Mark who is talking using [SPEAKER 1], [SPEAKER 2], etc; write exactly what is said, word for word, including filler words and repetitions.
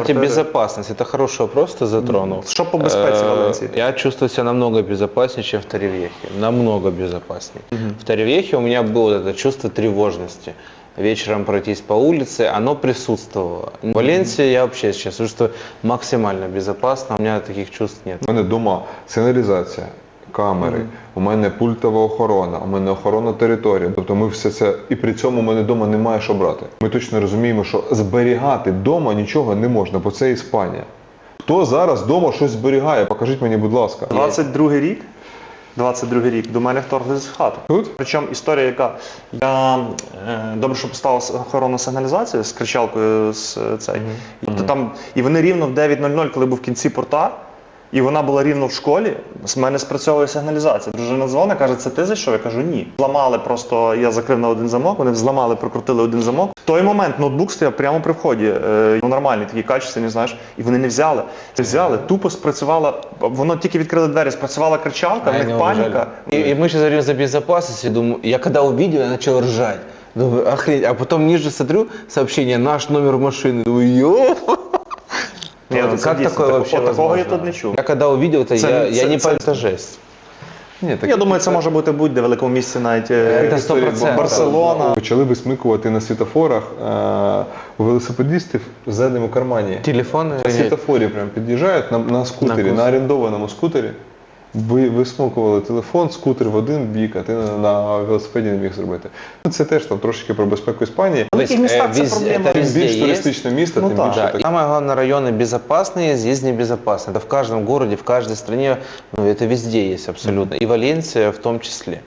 [SPEAKER 1] Кстати, безопасность. Это хороший вопрос ты затронул.
[SPEAKER 2] Що по безпеці Валенції?
[SPEAKER 1] Я чувствую себя намного безопаснее, чем в Торревьехе. Намного безопаснее. В Торревьехе у меня было вот это чувство тревожности. Вечером пройтись по улице, оно присутствовало. В Валенсии я вообще сейчас чувствую максимально безопасно, у меня таких чувств нет.
[SPEAKER 3] У мене вдома сигналізація, камери, mm. у мене пультова охорона, у мене охорона території. Тобто ми все це, і при цьому у мене вдома немає що брати. Ми точно розуміємо, що зберігати вдома нічого не можна, бо це Іспанія. Хто зараз вдома щось зберігає? Покажіть мені, будь ласка.
[SPEAKER 2] двадцять другий рік. двадцять другий рік до мене вторглися в хату.
[SPEAKER 3] Тут?
[SPEAKER 2] Причому історія, яка я е, добре, що поставив охоронну сигналізацію з кричалкою з цей. Mm-hmm. Тобто там і вони рівно в дев'ять нуль нуль, коли був в кінці порта, і вона була рівно в школі, з мене спрацьовує сигналізація. Дружина дзвонить, каже, це ти зайшов? Я кажу, ні. Зламали просто, я закрив на один замок, вони взламали, прокрутили один замок. В той момент ноутбук стояв прямо при вході, е, нормальний, такий качественний, знаєш, і вони не взяли. Це взяли, тупо спрацювала, воно тільки відкрили двері, спрацювала кричалка, в них паніка.
[SPEAKER 1] И, и мы сейчас говорим за безопасность, я думаю, я когда увидел, я начал ржать. Думаю, охренеть, а потом ниже смотрю сообщение, наш номер машины, думаю, ёп.
[SPEAKER 2] Ні,
[SPEAKER 1] как
[SPEAKER 2] це дійсно,
[SPEAKER 1] такое
[SPEAKER 2] так-
[SPEAKER 1] вообще
[SPEAKER 2] от такого
[SPEAKER 1] возможно?
[SPEAKER 2] я тут не чув.
[SPEAKER 1] Я когда увидел это,
[SPEAKER 2] Це-
[SPEAKER 1] я, я
[SPEAKER 2] це-
[SPEAKER 1] не
[SPEAKER 2] це-
[SPEAKER 1] понял, это жесть.
[SPEAKER 3] Ні, так
[SPEAKER 2] Я думаю, це може бути будь-де в великому місті, навіть
[SPEAKER 1] Це
[SPEAKER 2] е,
[SPEAKER 1] сто процентів.
[SPEAKER 2] Барселона.
[SPEAKER 3] Почали висмикувати на світофорах е, у велосипедистів в задньому кармані.
[SPEAKER 1] Телефоны.
[SPEAKER 3] На світофорі прям під'їжджають на, на скутері,
[SPEAKER 1] На
[SPEAKER 3] на, орендованому скутері. Ви висмокували телефон, скутер в один бік, а ти на, на велосипеді не міг зробити. Це теж там трошки про безпеку Іспанії.
[SPEAKER 2] В великих містах це проблема.
[SPEAKER 1] это
[SPEAKER 3] Тим
[SPEAKER 1] везде
[SPEAKER 3] більш
[SPEAKER 1] есть.
[SPEAKER 3] туристичне місто,
[SPEAKER 2] Ну
[SPEAKER 3] тим
[SPEAKER 2] так.
[SPEAKER 3] більше
[SPEAKER 1] Да,
[SPEAKER 3] так.
[SPEAKER 1] и самое главное, районы безопасные, здесь небезопасные. Это в каждом городе, в каждой стране, ну, это везде есть абсолютно. И Валенсия в том числе.